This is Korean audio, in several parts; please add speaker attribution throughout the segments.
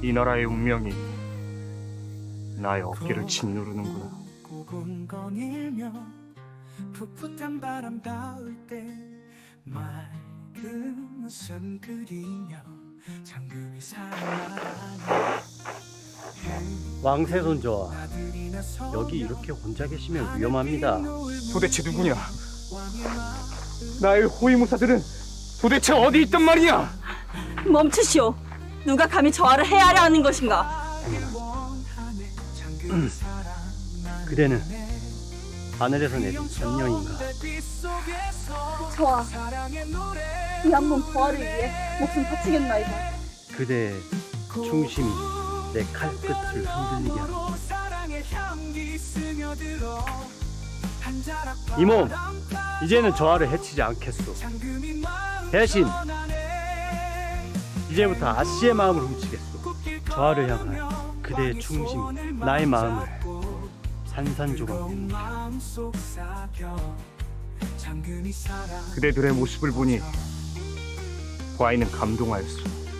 Speaker 1: 이 나라의 운명이 나의 어깨를 짓누르는구나.
Speaker 2: 고군거닐며 풋풋한 바람 닿을 때 맑은 웃음 그리며 잠금이 살아나니
Speaker 3: 왕세손저와 여기 이렇게 혼자 계시면 위험합니다.
Speaker 1: 도대체 누구냐? 나의 호위무사들은 도대체 어디 있단 말이냐?
Speaker 4: 멈추시오. 누가 감히 저하를 해하려 하는 것인가?
Speaker 3: 그대는 하늘에서 내린 선녀인가?
Speaker 4: 저하, 이 한 번 저하를 위해 목숨 바치겠나이다.
Speaker 3: 그대의 충심이 내 칼끝을 흔들리게 하는 이 몸 이제는 저하를 해치지 않겠소. 대신 이제부터 아씨의 마음을 훔치겠소. 저하를 향한 그대의 충심이 나의 마음을 산산조각
Speaker 1: 그대들의 모습을 보니 과인은 감동하였소.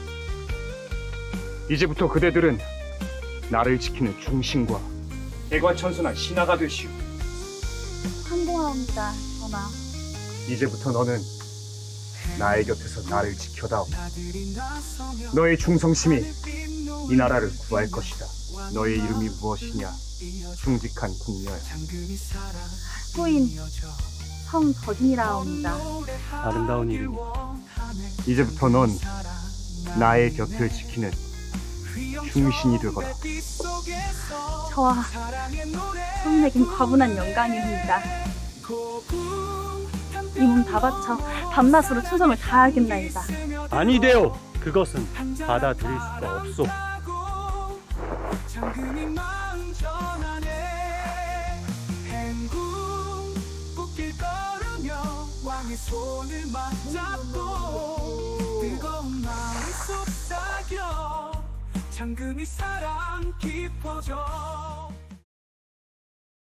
Speaker 1: 이제부터 그대들은 나를 지키는 중심과 대관천선한 신하가 되시오.
Speaker 4: 환공하옵니다, 전하.
Speaker 1: 이제부터 너는 나의 곁에서 나를 지켜다오. 너의 충성심이 이 나라를 구할 것이다. 너의 이름이 무엇이냐? 충직한 궁녀야.
Speaker 4: 후인 성덕인이라옵니다.
Speaker 3: 아름다운 이름이
Speaker 1: 이제부터 넌 나의 곁을 지키는 충신이 되거라.
Speaker 4: 저하, 선생에겐 과분한 영광입니다. 이 몸 다 바쳐 밤낮으로 충성을 다하겠나이다.
Speaker 3: 아니되오. 그것은 받아들일 수가 없소.
Speaker 2: 손을 맞잡고 뜨거운 마음이 속삭여 잠금이 사랑 깊어져